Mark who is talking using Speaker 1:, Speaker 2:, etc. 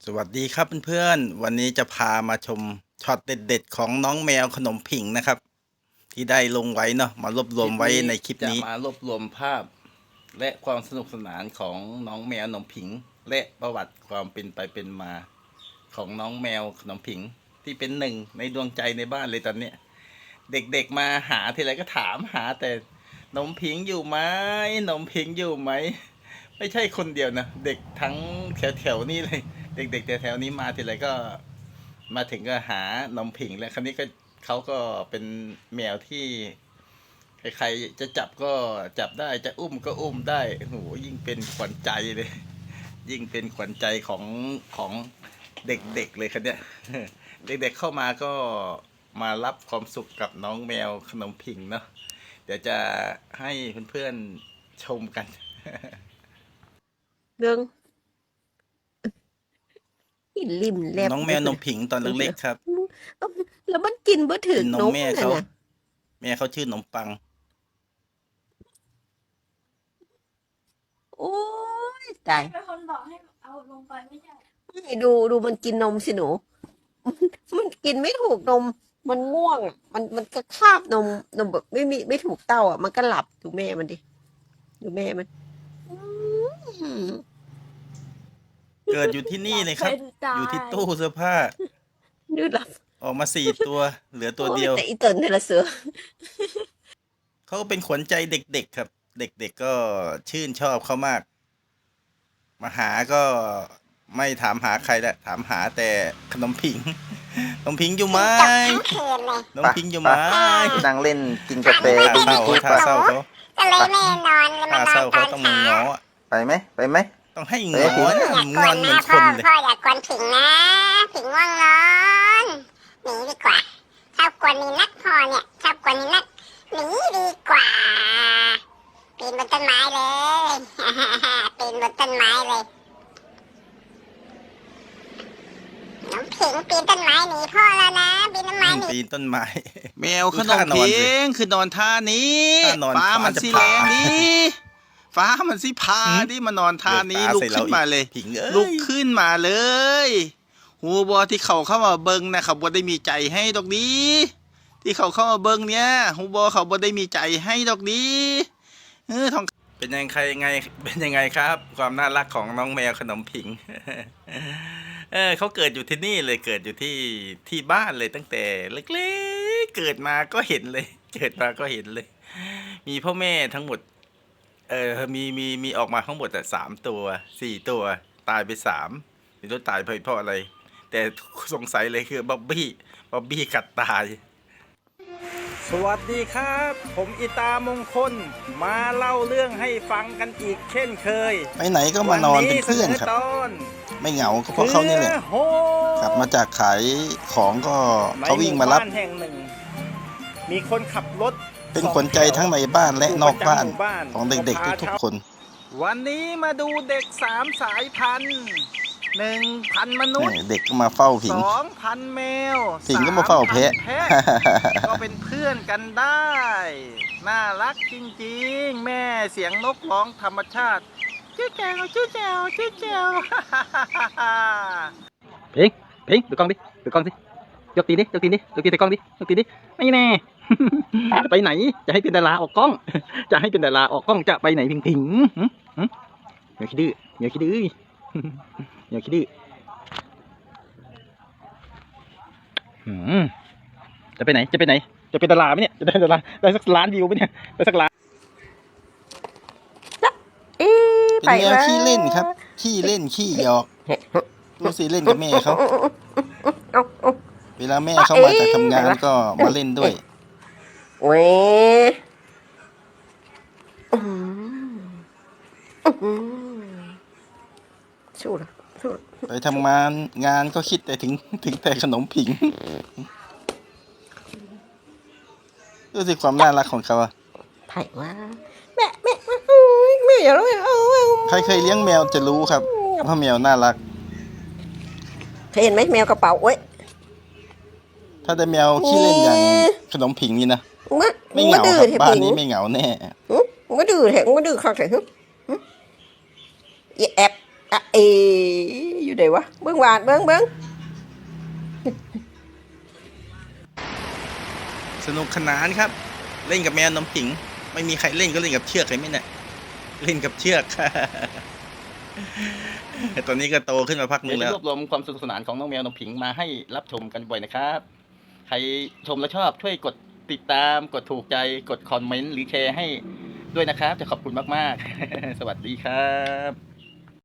Speaker 1: สวัสดีครับเพื่อนๆวันนี้จะพามาชมช็อตเด็ดๆของน้องแมวขนมผิงนะครับ ที่ได้ลงไว้เนาะมารวบรวมไว้ในคลิปนี้จะมารวบรวมภาพ และความสนุกสนานของน้องแมวขนมผิง และประวัติความเป็นไปเป็นมาของน้องแมวขนมผิง ที่เป็นหนึ่งในดวงใจในบ้านเลยตอนนี้เด็กๆมาหาทีไรก็ถามหาแต่ขนมผิงอยู่ไหมขนมผิงอยู่ไหมไม่ใช่คนเดียวนะเด็กทั้งแถวๆนี้เลยเด็กๆแถวๆนี้มาทีไรก็มาถึงก็หานมผิงแล้วคราวนี้ก็เขาก็เป็นแมวที่ใครๆจะจับก็จับได้จะอุ้มก็อุ้มได้โหยิ่งเป็นขวัญใจเลย ยิ่งเป็นขวัญใจของเด็กๆเลยครับเนี่ยเด็กๆเข้ามาก็มารับความสุขกับน้องแมวขนมผิงเนาะเดี๋ยวจะให้เพื่อนๆชมกัน
Speaker 2: เรื่องกินริมแลบ
Speaker 1: น้องแมวนมผิงตอนเล็กๆครับ
Speaker 2: แล้วมันกินบ่ถึง
Speaker 1: นมแม่เขาชื่อนมปัง
Speaker 2: โอ้ยตาย
Speaker 3: เป็นคนบอกให้เอาลงไปไม่ใช่
Speaker 2: ให้ดูมันกินนมสิหนูมันกินไม่ถูกนมมันง่วงมันก็คาบนมแบบไม่ถูกเต้าอ่ะมันก็หลับดูแม่มันดิดูแม่มัน
Speaker 1: เกิดอยู่ที่นี่เลยครับอยู่ที่ตู้เสื้อผ้า
Speaker 2: ดูหลับ
Speaker 1: ออกมา4 ตัวเหลือตัวเดียว
Speaker 2: แต่อีเติร์นนี่ละเสือ
Speaker 1: เขาเป็นขวัญใจเด็กๆครับเด็กๆก็ชื่นชอบเขามากมาหาก็ไม่ถามหาใครละถามหาแต่ขนมผิงขนมผิงอยู่ไหมขนมผิงอยู่ไหม
Speaker 4: นั่งเล่นกินกาแฟ
Speaker 1: ท่าเศร้าท่าเศร้าเขา
Speaker 3: ก็เลยไม่นอนเลย
Speaker 1: ท่าเศร้าเขาต้องง้อ
Speaker 4: ไปไหม
Speaker 1: ต้องให้ง้อนะงอนเหมือนคนเลย
Speaker 3: พ่ออย่ากวนผิงนะผิงง่วงนอนหนีดีกว่าชอบกวนนี่นักพ่อเนี่ยชอบกวนนี่นักหนีดีกว่าปีนบนต้นไม้เลยปีนบนต้นไม้เลยน้องผิงปีนต้นไม้หนีพ่อแล้วนะปีนต้นไม้หนี
Speaker 1: ปีนต้นไม้
Speaker 4: แมวขนมผิงคือนอนท่านี้ฟ้ามันสิแรงดิฟ้ามันสิพาดิมานอนท่านี้ลุกขึ้นมาเลยลุกขึ้นมาเลยหูบอที่เขาเข้ามาเบิ้งนะเขาบอได้มีใจให้ดอกนี้ที่เขาเข้ามาเบิ้งเนี่ยหูบอเขาบอได้มีใจให้ดอกนี้ทอง
Speaker 1: เป็นยังไงครับ ความน่ารักของน้องแมวขนมผิงเขาเกิดอยู่ที่นี่เลยเกิดอยู่ที่บ้านเลยตั้งแต่เล็กๆเกิดมาก็เห็นเลยมีพ่อแม่ทั้งหมดมีออกมาทั้งหมดแต่3 ตัว 4 ตัวตายไป3ไม่รู้ตายเพราะอะไรแต่สงสัยเลยคือบ๊อบบี้กัดตายสวัสดีครับผมอิตามงคลมาเล่าเรื่องให้ฟังกันอีกเช่นเคยไปไหนก็มานอนเป็นเพื่อนครับไม่เหงาก็เพราะเขานี่แหละกลับมาจากขายของก็เขาวิ่งมารับมีคนขับรถเป็นขวัญใจทั้งในบ้านและนอกบ้านของเด็กๆทุกๆคนวันนี้มาดูเด็ก3 สายพันธุ์1,000 มนุษย์เด็กก็มาเฝ้าผิง2,000 แมวผิงก็มาเฝ้าแพะก็เป็นเพื่อนกันได้น่ารักจริงๆแม่เสียงนกร้องธรรมชาติชื่อแจวผิงดูกล้องสิยกตีนใส่กล้องดิไม่แน่จะไปไหนจะให้เป็นดาราออกกล้องจะไปไหนผิงอย่าคิดดื้อจะไปไหนจะเป็นดาราไหมเนี่ยจะได้ดาราได้สักล้านวิวไหมเนี่ยได้สักล้านเป็นแนวขี้เล่นครับขี้เล่นขี้หยอกดูสิเล่นกับแม่เขาเวลาแม่เขามาจากทำงานก็มาเล่นด้วย
Speaker 2: เว้ยสู้
Speaker 1: ไปทำงานก็คิดแต่ถึงแต่ขนมผิงดูสิความน่ารักของเขาอะ
Speaker 2: ไผ่ว่าแม่อย่าเลย
Speaker 1: ใครเคยเลี้ยงแมวจะรู้ครับว่าแมวน่ารัก
Speaker 2: เคยเห็นไหมแมวกระเป๋าเว้ย
Speaker 1: ถ้าได้แมวขี้เล่นอย่างขนมผิงนี่นะไม่เหงาครับบ้านนี้ไม่เหงาแน่
Speaker 2: มาดื้อแถงมาดื้อข้าวใส่ฮึแอบอยู่ไหนวะเบิ้งหวานเบิ้ง
Speaker 1: สนุกสนานครับ เล่นกับแมวนมผิง ไม่มีใครเล่นก็เล่นกับเชือกเลยไหมเนี่ยเล่นกับเชือก ตอนนี้ก็โตขึ้นมาพักนึงแล้วรวบรวมความสนุกสนานของน้องแมวนมผิงมาให้รับชมกันบ่อยนะครับ ใครชมแล้วชอบช่วยกดติดตามกดถูกใจกดคอมเมนต์หรือแชร์ให้ด้วยนะครับ จะขอบคุณมากๆ สวัสดีครับ